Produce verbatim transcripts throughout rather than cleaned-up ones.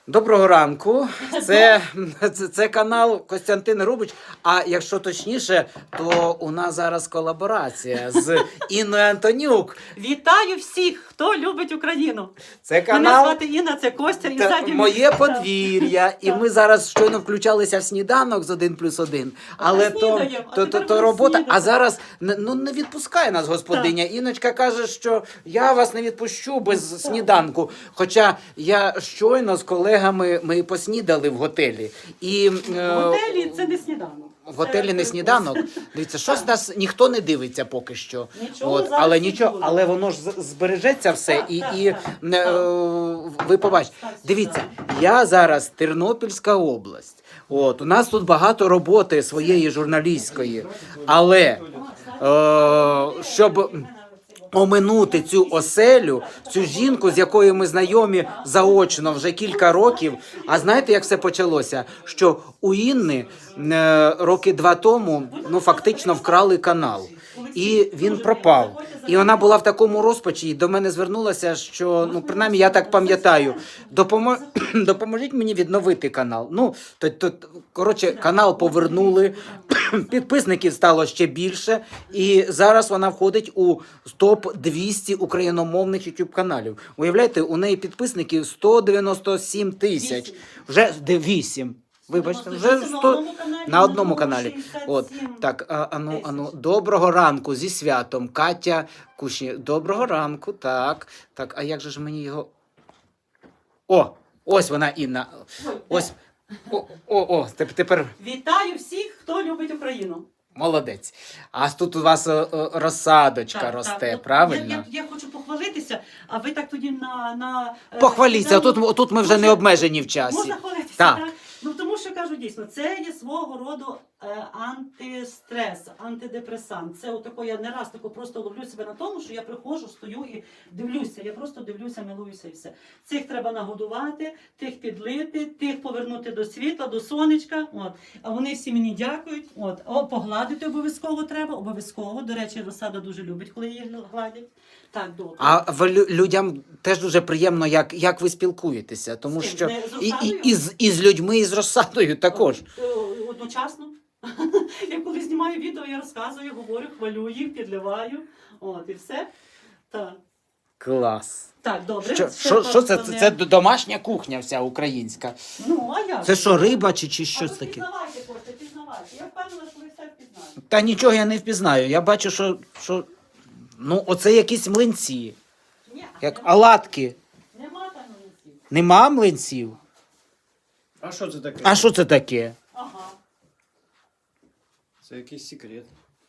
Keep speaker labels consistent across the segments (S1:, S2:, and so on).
S1: Доброго ранку. Це, це, це канал Костянтин Рубич. А якщо точніше, то у нас зараз колаборація з Інною Антонюк.
S2: Вітаю всіх, хто любить Україну.
S1: Це
S2: Мене
S1: канал
S2: звати Інна, це Костя. І
S1: та,
S2: ззаді...
S1: моє подвір'я. І ми зараз щойно включалися в сніданок з один плюс один. Але то,
S2: снідаємо, а
S1: то, то,
S2: тепер
S1: то
S2: будемо
S1: робота.
S2: снідати.
S1: А зараз ну, не відпускає нас господиня. Інночка каже, що я вас не відпущу без сніданку. Хоча я щойно з колегами ми поснідали в готелі. І,
S2: В
S1: е,
S2: готелі це не сніданок.
S1: В готелі
S2: Це
S1: не сніданок. Дивіться, щось нас ніхто не дивиться поки що.
S2: Нічого
S1: От,
S2: зараз
S1: але
S2: не
S1: нічого,
S2: буде.
S1: але воно ж з- збережеться все.
S2: Так,
S1: і
S2: так,
S1: і
S2: так.
S1: е, ви побачите.
S2: Так,
S1: Дивіться, я зараз Тернопільська область. От, у нас тут багато роботи своєї журналістської. Але е, щоб оминути цю оселю, цю жінку, з якою ми знайомі заочно вже кілька років. А знаєте, як все почалося? Що у Інни е, роки два тому ну фактично вкрали канал. І він пропав. І вона була в такому розпачі, і до мене звернулася, що, ну, принаймні, я так пам'ятаю, допомо... допоможіть мені відновити канал. Ну, то, то, коротше, канал повернули, підписників стало ще більше, і зараз вона входить у топ двісті україномовних ютуб-каналів. Уявляєте, у неї підписників сто дев'яносто сім тисяч. Вже вісім. Вибачте, вже сто... на одному каналі. От, так, а, ану, ану, доброго ранку, зі святом, Катя Кушні. Доброго ранку, так, так, а як же ж мені його... О, ось вона, Інна. Ось, о, о, о, теп- тепер
S2: Вітаю всіх, хто любить Україну.
S1: молодець. А тут у вас о, о, розсадочка росте,
S2: От
S1: правильно?
S2: Я, я, я хочу похвалитися, а ви так тоді на... на е,
S1: Похваліться,
S2: сніданок-
S1: тут, тут ми вже не обмежені в часі.
S2: Можна хвалитися,
S1: Так.
S2: так? Ну тому що кажу дійсно, це є свого роду е, антистрес, антидепресант. Це отако, я не раз тако просто ловлю себе на тому, що я приходжу, стою і дивлюся. Я просто дивлюся, милуюся і все. Цих треба нагодувати, тих підлити, тих повернути до світла, до сонечка. От. А вони всі мені дякують. От. О, погладити обов'язково треба, обов'язково. До речі, розсада дуже любить, коли її гладять. Так, добре.
S1: А в лю- людям теж дуже приємно, як, як ви спілкуєтеся, тому
S2: З ким?
S1: що
S2: Не з
S1: і, і,
S2: розсадою?
S1: і, з, і з людьми, і з розсадою також.
S2: Е, Одночасно. Я коли знімаю відео, я розказую, говорю, хвалю їх, підливаю. От, і все. Так.
S1: Клас.
S2: Так, добре.
S1: Що,
S2: Все
S1: що, що це?
S2: поставляю.
S1: Це домашня кухня вся українська.
S2: Ну, а як?
S1: Це що, риба чи, чи
S2: А
S1: щось
S2: ви
S1: таке?
S2: Пізнавайте, Костя, пізнавайте. Я впевнена, що ви все впізнаєте.
S1: Та нічого я не впізнаю. Я бачу, що, що ну, оце якісь млинці,
S2: Ні,
S1: як
S2: нема,
S1: оладки.
S2: нема там млинців.
S1: Нема млинців?
S3: А що це таке?
S1: А що це таке?
S2: Ага.
S3: Це якийсь секрет.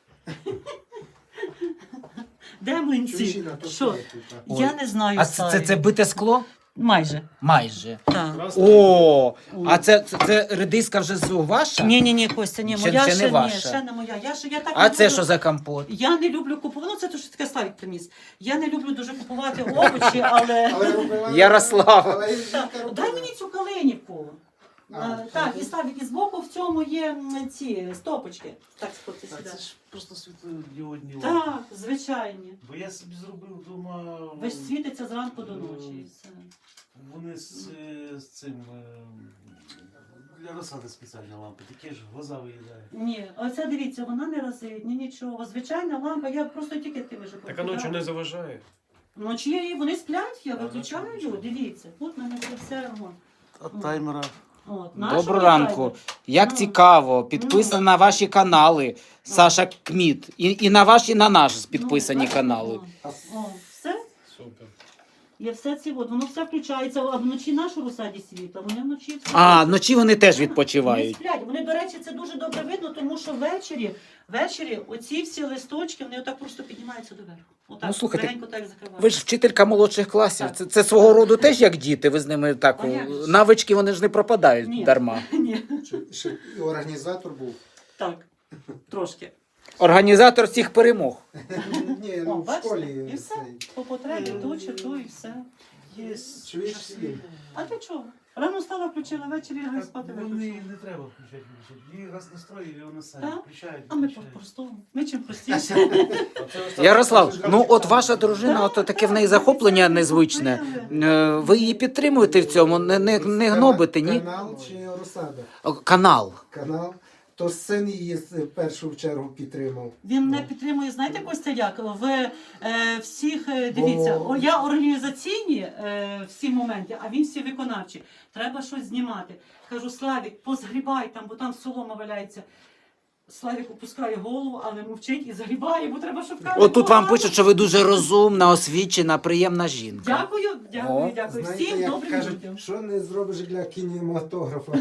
S2: Де млинці? Що? Я не знаю.
S1: А це, це,
S2: Сарі.
S1: це бите скло?
S2: Майже.
S1: Майже.
S2: Так.
S1: О, а це, це, це редиска вже з- ваша?
S2: Ні, ні, ні, Костя, ні,
S1: Ще-
S2: моя
S1: ще
S2: ще,
S1: не
S2: ні,
S1: ваша.
S2: ще не моя. Я, ще, я так
S1: А
S2: не
S1: це
S2: люблю-
S1: що за компот?
S2: Я не люблю купувати, ну це то, що таке Славік приніс. Я не люблю дуже купувати овочі, але...
S1: Ярослав.
S2: Так, дай мені цю калинівку.
S4: А,
S2: А, так, і Славік, і збоку в цьому є м, ці стопочки. Так, сходьте
S4: Та
S2: сюди.
S4: це ж просто світлодіодні лампи.
S2: Так, звичайні.
S4: Бо я собі зробив вдома.
S2: Весь світиться зранку до ночі. І все.
S4: Вони з, е, з цим е, для розсади спеціальні лампи, такі ж глаза виїдає.
S2: Ні, оце дивіться, вона не разить, ні нічого. Звичайна лампа, я просто тільки тими ж
S3: Так а ночі не заважає.
S2: Вночі вони сплять, я
S4: А,
S2: виключаю,
S4: ночі не
S2: дивіться. Тут в мене буде все. От.
S4: От таймера.
S2: От,
S1: Доброго
S2: нашого
S1: ранку.
S2: таймера.
S1: Як
S2: Ну.
S1: цікаво, підписано на ваші канали Саша Кміт. І, і на ваші, і на наш підписані
S2: Ну,
S1: канали.
S2: О, о, все.
S3: Супер.
S2: Є все ці, от, воно все включається, а вночі нашу розсаді світа, вони вночі все.
S1: А, вночі вони теж
S2: Вони
S1: відпочивають.
S2: сплять. Вони, до речі, це дуже добре видно, тому що ввечері, ввечері оці всі листочки, вони отак просто піднімаються доверху. Отак,
S1: Ну, слухайте,
S2: легенько так закривають.
S1: Ви ж вчителька молодших класів.
S2: Так.
S1: Це, це свого роду теж як діти. Ви з ними так
S2: А як же ж?
S1: навички вони ж не пропадають
S2: Ні.
S1: дарма.
S2: Ні,
S5: Чи, ще і організатор був.
S2: так, трошки.
S1: Організатор всіх перемог.
S5: Ні,
S2: О,
S5: ну в
S2: бачите?
S5: школі.
S2: І все.
S5: цей.
S2: По потребі ту чи ту і все.
S4: Є
S5: Чуєш всі?
S2: А для чого? Рано встала, включила, ввечері лягай спати
S4: Вони
S2: виключила.
S4: не треба включати, включати. Її раз настроїв, і вони самі
S2: Так?
S4: включають.
S2: А ми
S4: включають.
S2: по-простому. Ми чим простіше.
S1: Ярослав, ну от ваша дружина, от таке в неї захоплення незвичне. Е, Ви її підтримуєте в цьому, не, не, не гнобите, ні?
S5: Канал чи розсада?
S1: О, Канал.
S5: Канал. То син її в першу чергу підтримав.
S2: Він не підтримує, знаєте, Костя, як? В е, всіх, е, дивіться,
S5: Бо-
S2: о, я організаційні е, всі моменти, а він всі виконавчі. Треба щось знімати. Кажу, Славік, позгрібай там, бо там солома валяється. Славік опускає голову, але мовчить і загрібає, бо треба, щоб камера
S1: Отут вам
S2: була.
S1: пишуть, що ви дуже розумна, освічена, приємна жінка.
S2: Дякую, дякую,
S1: О.
S2: дякую.
S5: Знаєте,
S2: Всім
S5: як
S2: добрим
S5: кажуть,
S2: людям.
S5: що не зробиш для кінематографа.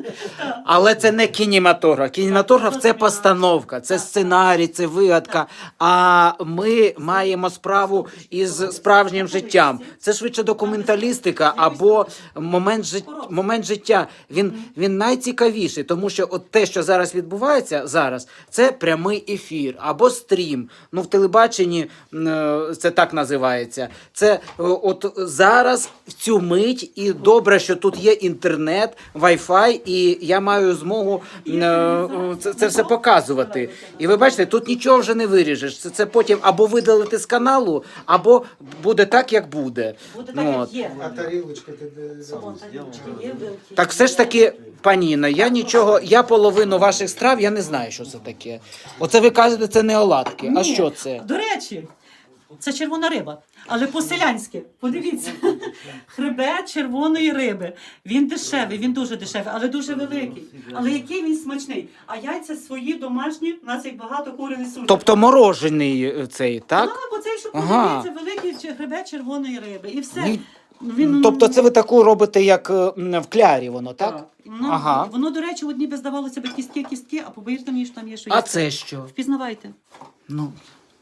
S1: Але це не кінематограф. Кінематограф це постановка, це сценарій, це вигадка. А ми маємо справу із справжнім життям. Це швидше документалістика або момент, жит... момент життя. Він, він найцікавіший, тому що от те, що зараз відбувається зараз, це прямий ефір або стрім. Ну, в телебаченні е, це так називається. Це е, от зараз в цю мить, і добре, що тут є інтернет, Wi-Fi, і я маю змогу е, е, це, це все показувати. І ви бачите, тут нічого вже не виріжеш. Це, це потім або видалити з каналу, або буде так, як буде.
S2: Буде
S1: Ну,
S2: так,
S1: от.
S2: як є.
S5: А тарілочка ти де
S2: Вон,
S5: забув?
S2: тарілочки є, вилки
S1: Так все ж таки, пані Інна, я нічого, я половину ваших страв, я не знаю, що це таке. Оце ви кажете, це не оладки. А
S2: Ні.
S1: що це?
S2: До речі, це червона риба, але по-селянськи. Подивіться. Хребет червоної риби. Він дешевий, він дуже дешевий, але дуже великий. Але який він смачний. А яйця свої домашні, у нас їх багато кури несуть.
S1: Тобто морожений е, цей, так?
S2: Так, оцей, що
S1: Ага.
S2: подивіться, великий чи- хребет червоної риби. І все.
S1: Ні.
S2: Він...
S1: Тобто це ви таку робите, як е, м, в клярі воно, так?
S2: Воно,
S1: Ага.
S2: воно, до речі, одні би здавалося б кістки, кістки, а повірте мені, що там є що
S1: А
S2: їсти.
S1: це що?
S2: Впізнавайте.
S1: Ну,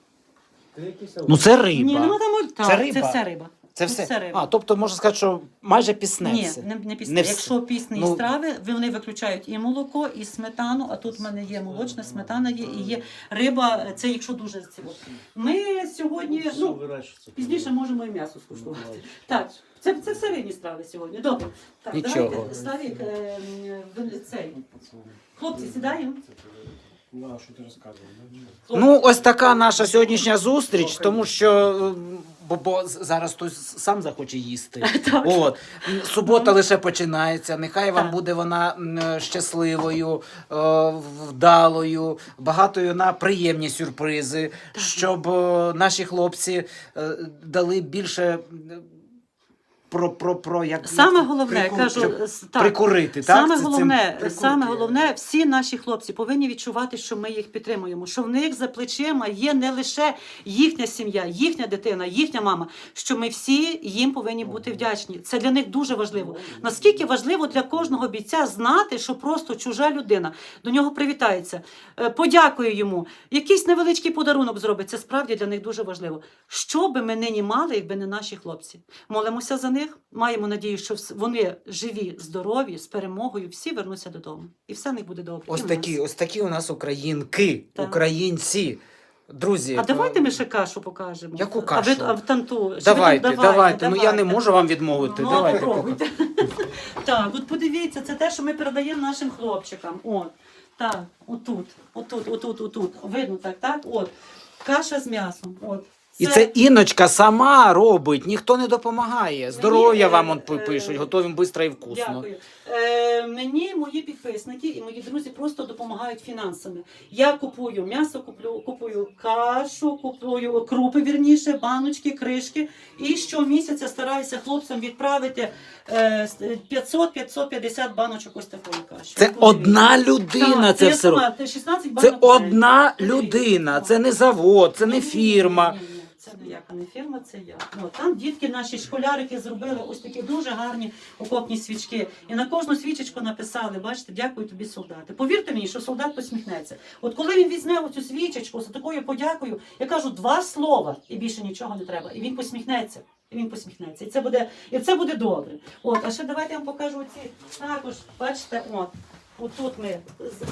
S1: ну це риба.
S2: Ні, нема там... Так,
S1: Це
S2: це,
S1: риба?
S2: все риба.
S1: Це
S2: Тут
S1: все?
S2: риба.
S1: А, тобто можна сказати, що майже пісне
S2: Ні,
S1: все.
S2: не, не пісне.
S1: Не все.
S2: Якщо пісні
S1: Ну-
S2: страви, вони виключають і молоко, і сметану, а тут в мене є молочна, сметана є, і є риба, це якщо дуже ціло. Ми сьогодні,
S4: Все
S2: ну,
S4: вирощується.
S2: пізніше можемо і м'ясо скуштувати. Так, це, це все рідні страви сьогодні. Добре. Так,
S1: Нічого.
S2: давайте, Славік, е, м, цей. Хлопці, сідаємо.
S3: Ну, а що ти розказував?
S1: Ну, ось така наша сьогоднішня зустріч, тому що е, бо, бо з- зараз хтось сам захоче їсти.
S2: Так.
S1: От. Субота лише починається. Нехай вам
S2: Так.
S1: буде вона м, щасливою, е, вдалою, багатою на приємні сюрпризи, щоб е, наші хлопці е, дали більше е, про, про, про як
S2: Саме головне,
S1: прику-
S2: кажу,
S1: щоб
S2: с- так.
S1: прикурити.
S2: Саме
S1: так? Це-
S2: головне,
S1: цим
S2: саме
S1: прикурки.
S2: головне, всі наші хлопці повинні відчувати, що ми їх підтримуємо, що в них за плечима є не лише їхня сім'я, їхня дитина, їхня мама, що ми всі їм повинні бути вдячні. Це для них дуже важливо. Наскільки важливо для кожного бійця знати, що просто чужа людина до нього привітається, е, подякує йому, якийсь невеличкий подарунок зробить. Це справді для них дуже важливо. Що би ми нині мали, якби не наші хлопці? Молимося за них. Маємо надію, що вс- вони живі, здорові, з перемогою, всі вернуться додому. І все в них буде добре.
S1: Ось
S2: І в
S1: такі,
S2: нас.
S1: ось такі у нас українки,
S2: Так.
S1: українці. Друзі,
S2: А давайте
S1: е,
S2: ми ще кашу покажемо.
S1: Яку
S2: А
S1: кашу?
S2: ви а в танту. Чи
S1: Давайте,
S2: ви тут-
S1: давайте. Ну я не
S2: давайте.
S1: можу вам відмовити.
S2: Ну,
S1: Давайте.
S2: попробуйте. Так, от подивіться, це те, що ми передаємо нашим хлопчикам. От. Так, отут, отут, отут, отут. Видно так, так? От. Каша з м'ясом. От.
S1: І це Інночка сама робить, ніхто не допомагає. Здоров'я вам он пи- пишуть, готовим швидко і вкусно.
S2: Дякую. Е, мені мої підписники і мої друзі просто допомагають фінансами. Я купую м'ясо, куплю, купую кашу, купую крупи, вірніше, баночки, кришки. І щомісяця стараюся хлопцям відправити е, п'ятсот - п'ятсот п'ятдесят баночок ось такої каші.
S1: Це
S2: От подивіться.
S1: одна людина
S2: Так,
S1: це
S2: я
S1: все робить.
S2: сама, це шістнадцять
S1: Це
S2: банок. в день.
S1: одна
S2: Подивіться.
S1: людина, це не завод, це не
S2: Ні-ні-ні,
S1: фірма.
S2: ні-ні-ні, Це ніяка не фірма, це я. Ну, там дітки, наші школярики зробили ось такі дуже гарні окопні свічки. І на кожну свічечку написали, бачите, дякую тобі, солдати. Повірте мені, що солдат посміхнеться. От коли він візьме оцю свічечку з такою подякою, я кажу два слова, і більше нічого не треба. І він посміхнеться. І він посміхнеться. І це буде, і це буде добре. От, а ще давайте я вам покажу оці також, бачите, от, отут ми. з-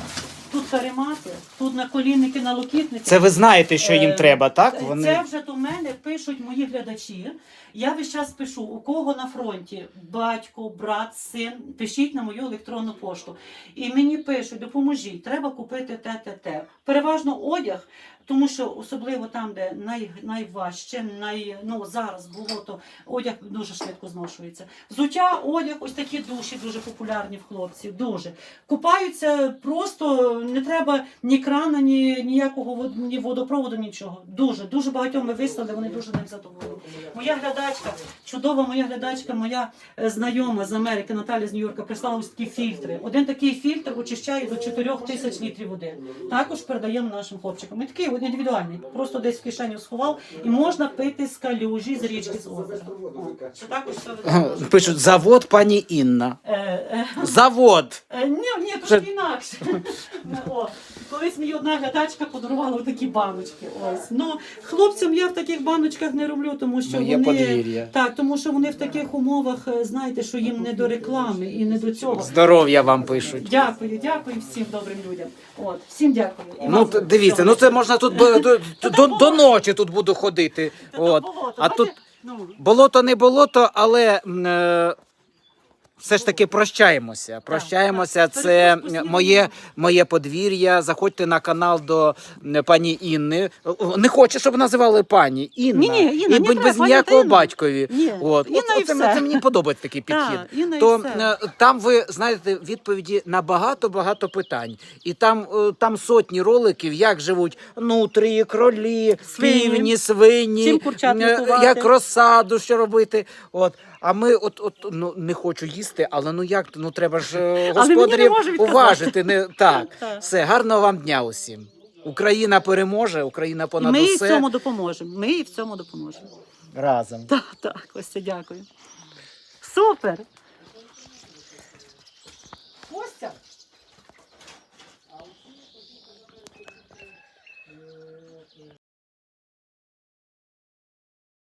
S2: тут каремати, тут наколінники, налокітники.
S1: Це ви знаєте, що їм
S2: Е,
S1: треба, так?
S2: Це
S1: Вони
S2: вже до мене пишуть мої глядачі. Я весь час пишу, у кого на фронті батько, брат, син, пишіть на мою електронну пошту. І мені пишуть, допоможіть, треба купити те, те, те. Переважно одяг, тому що особливо там, де най, найважче, най, ну, зараз було, то одяг дуже швидко зношується. Взуття, одяг, ось такі душі дуже популярні в хлопців, дуже. Купаються просто, не треба ні крана, ні ніякого вод- ні водопроводу, нічого. Дуже, дуже багатьом ми вислали, вони дуже ним задоволені. Моя глядачка, чудова моя глядачка, моя е, знайома з Америки, Наталя з Нью-Йорка, прислала ось такі фільтри. Один такий фільтр очищає до чотирьох тисяч літрів води. Також передаємо нашим хлопчикам. І такий от індивідуальний, просто десь в кишеню сховав, і можна пити з калюжі, з річки, з озера. О, Це також все видно.
S1: пишуть завод пані Інна.
S2: Е, е,
S1: Завод.
S2: Е, Ні, ні, трошки інакше. О, колись мені одна глядачка подарувала такі баночки. Ось. Ну, хлопцям я в таких баночках не роблю, тому що
S1: Моє
S2: вони
S1: подвір'я.
S2: так, тому що вони в таких умовах, е, знаєте, що їм не до реклами і не до цього.
S1: Здоров'я вам пишуть.
S2: Дякую, дякую всім добрим людям. От, всім дякую. І
S1: Ну
S2: вам
S1: т- дивіться,
S2: всього
S1: ну це
S2: найкращого.
S1: можна тут бо- до, до, до ночі тут буду ходити.
S2: Та
S1: От.
S2: то болото,
S1: А тут
S2: бачите? Ну,
S1: болото не болото, але м, е, все ж таки прощаємося. Прощаємося.
S2: так.
S1: Це
S2: Перепрошую,
S1: моє, моє подвір'я. Заходьте на канал до м, пані Інни. Не хочу, щоб називали пані Інна.
S2: Ні-ні, Інна,
S1: і
S2: не
S1: будь
S2: треба,
S1: без
S2: пані
S1: ніякого
S2: Інна.
S1: батькові.
S2: Ні,
S1: От.
S2: Інна
S1: От,
S2: і
S1: оце,
S2: все.
S1: це мені подобається такий підхід.
S2: так, Інна і
S1: То
S2: все.
S1: е, там ви знаєте відповіді на багато-багато питань. І там, е, там сотні роликів, як живуть нутрії, кролі,
S2: Свині.
S1: півні, свині,
S2: Чим курчат
S1: е,
S2: лікувати.
S1: як розсаду, що робити. От. А ми от, от ну, не хочу їсти, але ну як, ну треба ж е,
S2: мені не
S1: господарів
S2: можу відказати.
S1: уважити. Не, так,
S2: Так.
S1: все, гарного вам дня усім. Україна переможе, Україна
S2: І
S1: понад
S2: ми їй в
S1: усе.
S2: цьому допоможемо. Ми їй в цьому допоможемо.
S1: Разом.
S2: Так, так, Костя, дякую. Супер!